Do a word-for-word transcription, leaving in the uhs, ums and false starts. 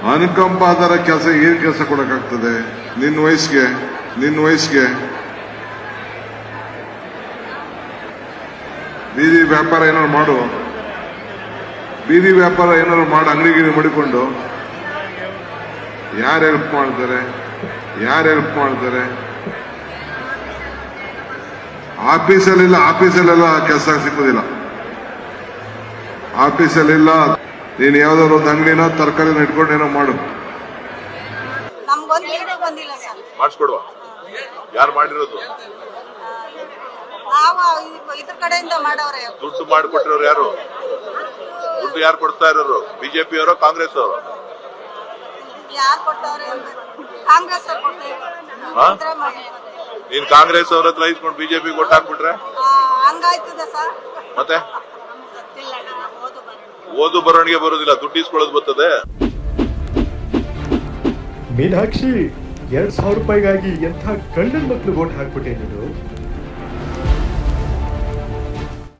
ಅನುಕಂಪ ಆಧಾರ ಕೆಲಸ ಏನ್ ಕೆಲಸ ಕೊಡಕ್ಕಾಗ್ತದೆ ನಿನ್ನ ವಯಸ್ಸಿಗೆ ನಿನ್ನ ವಯಸ್ಸಿಗೆ ಬೀದಿ ವ್ಯಾಪಾರ ಏನಾದ್ರು ಮಾಡು, ಬೀದಿ ವ್ಯಾಪಾರ ಏನಾದ್ರು ಮಾಡಿ ಅಂಗಡಿಗಿರಿ ಮಡಿಕೊಂಡು ಯಾರು ಹೆಲ್ಪ್ ಮಾಡ್ತಾರೆ? ಯಾರು ಹೆಲ್ಪ್ ಮಾಡ್ತಾರೆ? ಆಫೀಸಲ್ಲಿಲ್ಲ, ಆಫೀಸಲ್ಲೆಲ್ಲ ಕೆಲಸ ಸಿಗೋದಿಲ್ಲ. ಆಫೀಸಲ್ಲಿಲ್ಲ, ನೀನು ಯಾವ್ದಾದ್ರು ಒಂದು ಅಂಗಡಿನ ತರಕಾರಿನ ಇಟ್ಕೊಂಡು ಏನೋ ಮಾಡು. ಮಾಡಿಸ್ಕೊಡುವ. ಯಾರು ಮಾಡಿರೋದು? ಇದ್ರ ಕಡೆಯಿಂದ ಮಾಡವ್ರೆ. ದುಡ್ಡು ಮಾಡಿಕೊಟ್ಟಿರೋರು ಯಾರು? ದುಡ್ಡು ಯಾರು ಕೊಡ್ತಾ ಇರೋರು? ಬಿಜೆಪಿ ಅವರೋ ಕಾಂಗ್ರೆಸ್ ಅವರು? ಯಾರು ಕೊಟ್ಟವ್ರೆ? ಕಾಂಗ್ರೆಸ್ ಅವ್ರು ಕೊಡ್ತಾರೆ. ನೀನ್ ಕಾಂಗ್ರೆಸ್ ಅವ್ರ ಹತ್ರ ಇಸ್ಕೊಂಡು ಬಿಜೆಪಿ ಕೊಟ್ಟು ಹಾಕ್ಬಿಟ್ರೆ ಹಂಗಾಯ್ತದ ಸರ್. ಮತ್ತೆ ಓದು ಬರವಣಿಗೆ ಬರೋದಿಲ್ಲ, ದುಡ್ಡು ಇಸ್ಕೊಳ್ಳೋದು ಬರ್ತದೆ. ಮೀನಾಕ್ಷಿ, ಎರಡ್ ಸಾವಿರ ರೂಪಾಯಿಗಾಗಿ ಎಂಥ ಗಂಡನ ಮಕ್ಳು ಓಟ್ ಹಾಕ್ಬಿಟ್ಟೆ ನೀನು.